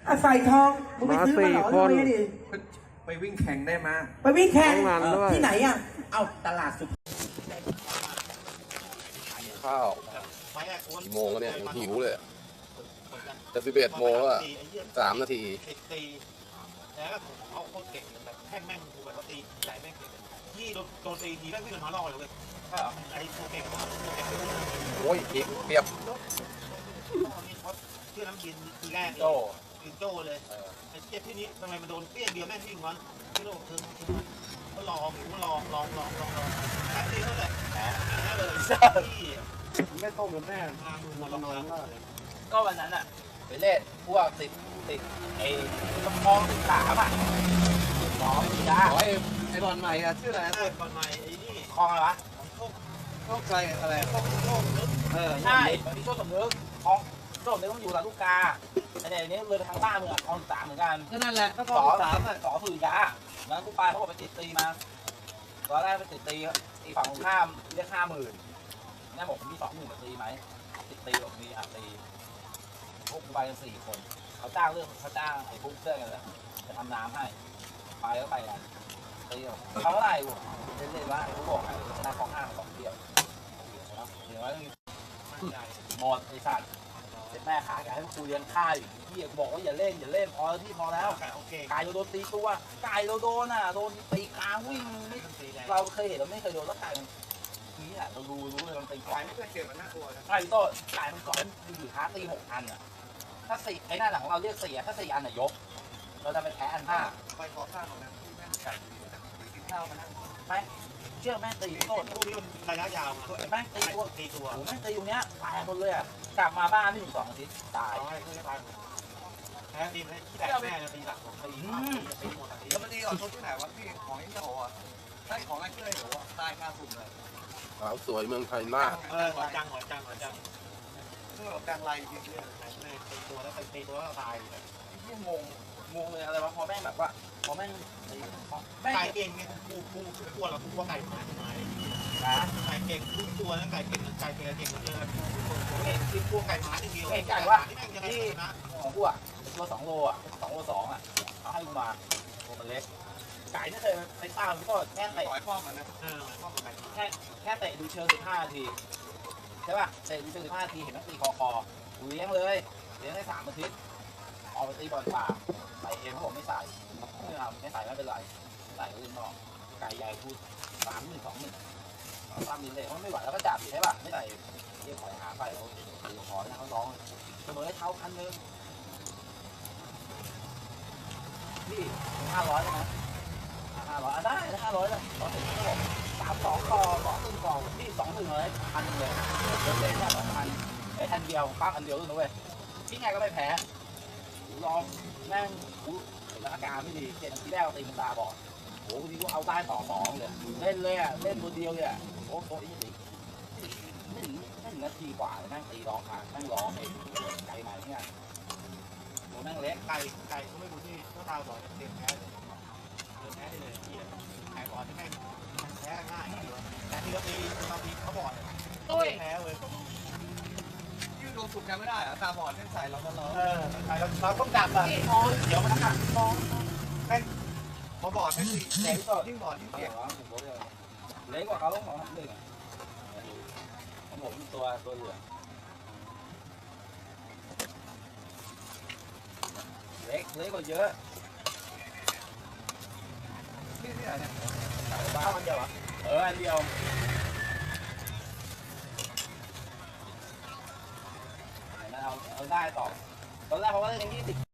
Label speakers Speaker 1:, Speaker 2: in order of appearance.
Speaker 1: ใส่ทองมึงไปซื้อมาเหรอทำไมดิ
Speaker 2: ไปวิ่งแข่งได้มา
Speaker 1: ไปวิ่งแข่งที่ไหนอ่ะ
Speaker 3: เอาตลาดสุด
Speaker 4: ข้าวกี่โมงแล้วเนี่ยหิวเลยจะ11 โมงแล้ว3 นาที
Speaker 5: ตีแล้วก็เอาโคตรเก่งแบบแท่งแม่งกูแบบตีใหญ่แม่งเก่งยี่โดนตีทีแม่งวิ่งกันมาล่อเลยไอ้ตัวเก่ง
Speaker 4: โอ้ยอีกเปียบ
Speaker 5: ชื่อน้ำยินทีแรกโจ้เลยไอ้เจ็บที่นี้ทำไมมันโดนเปี้ยเดียวแม่งวิ่งวันที่โลกคือก็ลองแค่ตีเท่าไหร่แค่เลย
Speaker 3: ไม่ต้มกับแม่
Speaker 5: ลอง
Speaker 3: ก็วันนั้นอ่ะไปเล่นพวกติดไอ้มอง13อ่ะหมอมียา
Speaker 4: ไอ้บอลใหม่อะชื่ออะไร
Speaker 5: บอลใหม่ไอ้นี่
Speaker 3: คลองอะไรวะ
Speaker 4: โชคใจอะไร
Speaker 5: โชคนึก
Speaker 3: ใช่ที่โชคสมนึกของโชคสมนึกต้องอยู่ลำลูกกาไอ้เนี่ยนี้เลยทางบ้านมึงอ่ะคลอง13เหมือนกัน
Speaker 4: ก็นั่นแหละก็คลอง13อ่ะ
Speaker 3: สอฝืนยาแล้วกูไปเขาบอกไปติดตีมาตอนแรกไปติดตีฝั่งตรงข้ามเรียก50,000นี่บอกมี20,000มาตีไหมติดตีบอกมีตีพวกกูไปกัน4 คนเขาจ้างไอ้พวกเสื้อกันเลยจะทำน้ำให้ไปแล้วไปกันตีเขาเท่าไหร่เล่นว่าเขาบอกไอ้ชนะของ5 2 เดียวเดี๋ยวหมดไอ้สัตว์เสร็จแม่ขาแกให้กูเลี้ยงข้าวอยู่ที่บอกว่าอย่าเล่นพอที่พอแล้วไก่เราโดนตีตัวไก่เราโดนอ่ะโดนตีกลางวิ่งเราเคยเห็นเราไม่เคยโดนแล้วไก่นี่แหละเรารู้เลยมันตีไก่
Speaker 5: ไม่เคยเจอมันน่ากลัว
Speaker 3: ไก่โต้ไก่มันก่อนอยู่ท้าตี6 อันอ่ะถ้า4ไอ้หน้าหลังเราเรียก4ถ้า4 อันน่ะยกเราจะไปแพ้อัน5
Speaker 5: ไปขอข้าวของนั้นที่แม่ไก่กินข้าวมันนะ
Speaker 3: ไม่เชื่อแม่ตีโต้
Speaker 5: พวกนี้มันระยะยาว
Speaker 3: แม่ตีตัวแม่ตีตรงเนี้ยตายหมดเลยอ่ะกลับมาบ้านไม่ถึง2 อาทิตย์ตาย
Speaker 5: แพ้ตีที่แตกแม่ตีหลักตีหมดตี
Speaker 2: แล้วมันดีกว่าที่ไหนวะพี่ของไอ้เจ้าอ่ะใช่ของไอ้เจ้าเลยหัวตายคาสุ่มเลย
Speaker 4: สาวสวยเมืองไทยมาก
Speaker 5: หัวจัง
Speaker 2: คือแบบการไล่จริง
Speaker 5: ๆตีตัวแล้วตีตัวแล้วตาย
Speaker 3: ที่งงเลยอะไรวะพอแม่งแบบว่าพอแม่ง
Speaker 5: ไก่เก่งไงกูกลัวหรอกูว่าไก่หายไก่เก่งทุกตัวนะไก่เก่งเก่งเยอะกินพวกไก่หมาที่เดียว
Speaker 3: ไก่ว่าที่ของกูอ่ะตัว2 โลอ่ะ2 โล 2อ่ะเขาให้กูมาตัวมันเล็กไก่ไม่เคยไปตามก็แค่เตะ
Speaker 2: ข้อมันนะ
Speaker 3: แค่เตะดูเชิง15 นาทีใช่ป่ะเตะดูเชิง15 นาทีเห็นนักตีคอกูเลี้ยงได้3 อาทิตย์ออกไปตีบอลป่าใส่เองเขาบอกไม่ใส่ไม่ใส่ไม่เป็นไรใส่ก็เล่นนอกไก่ใหญ่พูด30,000 20,000ตามนี้เลยเขาไม่ไหวแล้วก็จับใช่ป่ะไม่ใส่เรียกขอยหาไปเขาขอนะเขาร้องเสมอให้เท้า1,000นี่500นะ500ได้500เลยตอนนี้เขาบอก32 ต่อ2 ต่อที่21เลย1,000เลยเล่นแค่2,000ไอ้1,000 เดียวปั้งอันเดียวด้วยนะเว้ยที่ไงก็ไม่แพ้ลองแม่งอาการไม่ดีเจ็บที่แรกตีมันตาบอดโอ้ทีกูเอาได้ต่อ2เลยเล่นเลยอ่ะเล่นตัวเดียวเลยอ่ะโอ้โหไม่ถึงนาทีกว่าแม่งตีร้องขาแม่งร้องเองไก่ใหม่เนี่ยตัวแม่งเล็ก
Speaker 5: ไก่เขาไม่รู้ที่ก็ตาบอดเต็มแพ้เลยไก่บอดที่แม่งแพ้ง่ายแต่ที่เราตีบางทีเขาบอดแพ้เลย
Speaker 2: ยืดโดนสุดกันไม่ได้อะตาบอดเส้นสายเราก็ร้อง
Speaker 5: เราต้องจับอ่ะเดี๋ยวมันหักมองแม่งพอบอดไม่ดี
Speaker 3: เล็กก็
Speaker 5: ยิ่งบอดยิ่งเจ็บ
Speaker 3: เล็กกว่าเขาต้อง2 1ผมตัวเหลืองเล็กกว่าเยอะ
Speaker 2: ที่ไหนเนี่ย
Speaker 3: บ้าอันเดียวอ่ะอันเดียวเอาได้ต่อตอนแรกเขาว่าเล่น20